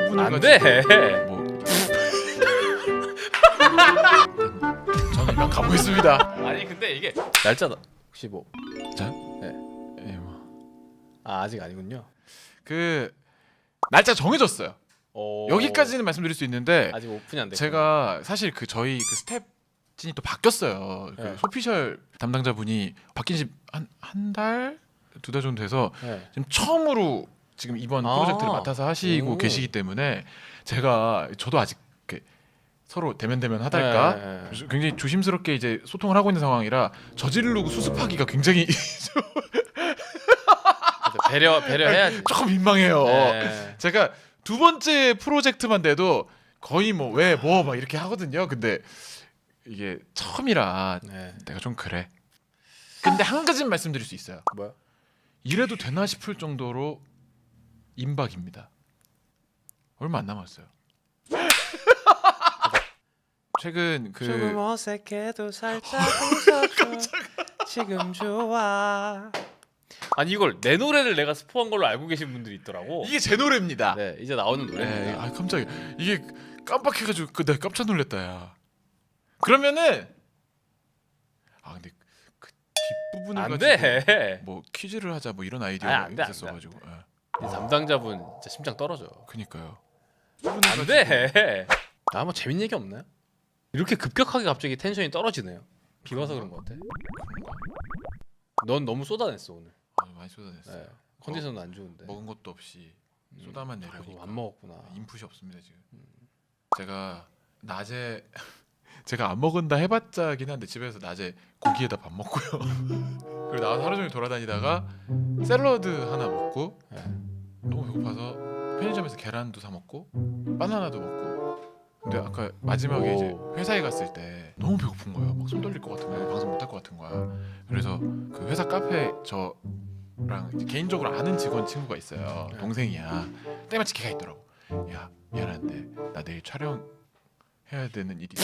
뒷부분을 안 가지고 돼. 뭐 저는 이만 가보겠습니다. 아니 근데 이게 날짜다. 혹시 뭐? 자, 네. 예, 뭐. 아 아직 아니군요. 그 날짜 정해졌어요. 여기까지는 말씀드릴 수 있는데 아직 오픈이 안 됐고. 제가 사실 그 저희 그 스텝진이 또 바뀌었어요. 그 네. 소피셜 담당자분이 바뀐 지 한 달, 2달 정도 돼서 네. 지금 처음으로 지금 이번 아. 프로젝트를 맡아서 하시고 오. 계시기 때문에 제가 저도 아직 이렇게 서로 대면대면 하달까 네. 굉장히 조심스럽게 이제 소통을 하고 있는 상황이라 저지르고 수습하기가 굉장히 배려해야지. 조금 민망해요. 네. 제가 두 번째 프로젝트만 돼도 거의 뭐 왜 뭐 막 이렇게 하거든요. 근데 이게 처음이라 네. 내가 좀 그래. 근데 한 가지는 말씀드릴 수 있어요. 뭐야? 이래도 되나 싶을 정도로 임박입니다. 얼마 안 남았어요. 최근 조금 그 어색해도 살짝 웃어줘. 지금 좋아. 아니 이걸 내 노래를 내가 스포한 걸로 알고 계신 분들이 있더라고. 이게 제 노래입니다. 네, 이제 나오는 네, 노래입니다. 아 깜짝이야. 이게 깜빡해가지고 내가 깜짝 놀랐다 야. 그러면은 아 근데 그 뒷부분을 안 가지고 돼. 뭐 퀴즈를 하자 뭐 이런 아니, 아이디어가 안 돼, 안 있었어가지고 이 담당자분 진짜 심장 떨어져. 그니까요. 안 돼. 나 뭐 재밌는 얘기 없나요? 이렇게 급격하게 갑자기 텐션이 떨어지네요. 비 와서 그런 것 같아. 넌 너무 쏟아냈어 오늘. 아, 많이 쏟아냈어요. 네. 컨디션도 안 좋은데. 먹은 것도 없이 쏟아만 아이고, 내려니까 안 먹었구나. 인풋이 없습니다 지금. 제가 낮에 제가 안 먹은다 해봤자긴 한데 집에서 낮에 고기에다 밥 먹고요. 그리고 나와서 하루 종일 돌아다니다가 샐러드 하나 먹고 네. 너무 배고파서 편의점에서 계란도 사 먹고 바나나도 먹고. 근데 아까 마지막에 이제 회사에 갔을 때 너무 배고픈 거예요. 막 손 떨릴 것 같은 거야. 방송 못할 것 같은 거야. 그래서 그 회사 카페 저랑 이제 개인적으로 아는 직원 친구가 있어요. 동생이야. 때마침 걔가 있더라고. 야 미안한데 나 내일 촬영 해야 되는 일이.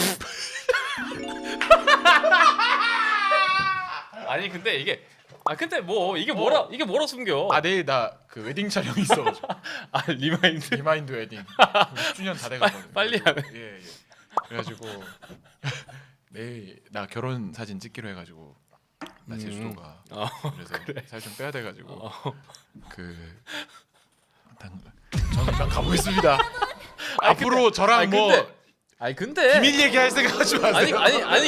아니 근데 이게 근데 뭐 이게 뭐라 숨겨? 아 내일 나 그 웨딩 촬영이 있어가지고. 리마인드. 리마인드 웨딩 10주년 다 돼가거든. 빨리 하네. 예. 그래가지고 내일 나 결혼 사진 찍기로 해가지고 나 제주도가. 그래서 살 좀 빼야 돼가지고 저는 일단 가보겠습니다. 앞으로 저랑 뭐 근데 비밀 얘기할 생각하지 마세요. 아니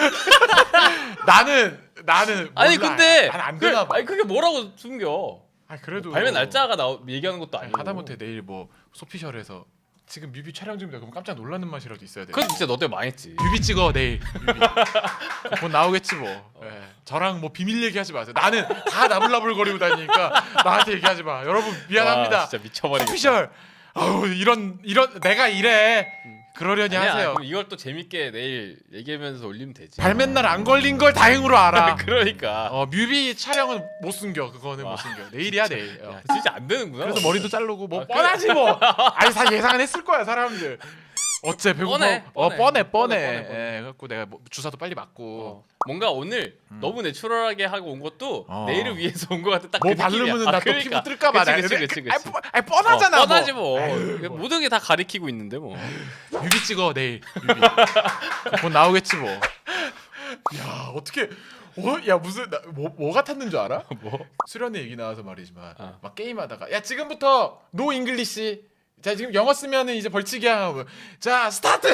나는 아니 몰라. 근데 난안 되나 봐. 아니 그게 뭐라고 숨겨? 그래도 발매 날짜가 얘기하는 것도 아니고. 하다못해 내일 뭐 소피셜에서 지금 뮤비 촬영 중이다 그럼 깜짝 놀라는 맛이라도 있어야 돼. 그건 진짜 너 때문에 망했지. 뮤비 찍어 내일. 뮤비. 곧 나오겠지 뭐. 예. 저랑 뭐 비밀 얘기하지 마세요. 나는 다 나불나불거리고 다니니까 나한테 얘기하지 마. 여러분 미안합니다. 와, 진짜 미쳐버리겠다. 소피셜. 아우 이런 내가 이래. 그러려니 아니야, 하세요. 그럼 이걸 또 재밌게 내일 얘기하면서 올리면 되지. 발매 날 안 걸린 걸 다행으로 알아. 그러니까. 뮤비 촬영은 못 숨겨. 그거는 못 숨겨. 내일이야 내일. 야, 진짜 안 되는구나. 그래서 머리도 자르고 뭐 그래. 뻔하지 뭐. 아니 다 예상은 했을 거야 사람들. 어째 배고파. 뻔해. 예, 그래갖고 내가 뭐 주사도 빨리 맞고. 뭔가 오늘 너무 내추럴하게 하고 온 것도 내일을 위해서 온 것 같아. 딱 뭐 그 느낌이야. 바르면은 나 또 그러니까. 피부 뜰까 봐. 그치. 아니 뻔하잖아. 뻔하지 뭐. 아유, 모든 게 다 가리키고 있는데 뭐. 뮤비 찍어 내일. 뮤비. 곧 나오겠지 뭐. 야 어떻게? 야 무슨 뭐 같았는 줄 알아? 뭐? 수련회 얘기 나와서 말이지만 막 게임하다가 야 지금부터 노 잉글리시. 자 지금 영어 쓰면은 이제 벌칙이야. 자 스타트.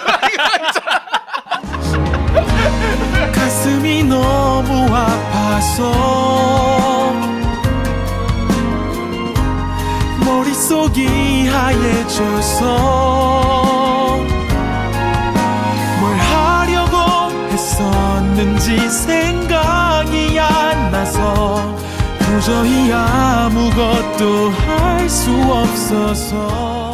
가슴이 너무 아파서 머릿속이 하얘져서 뭘 하려고 했었는지 생각이 안 나서 도저히 아무것도 할 수 없어서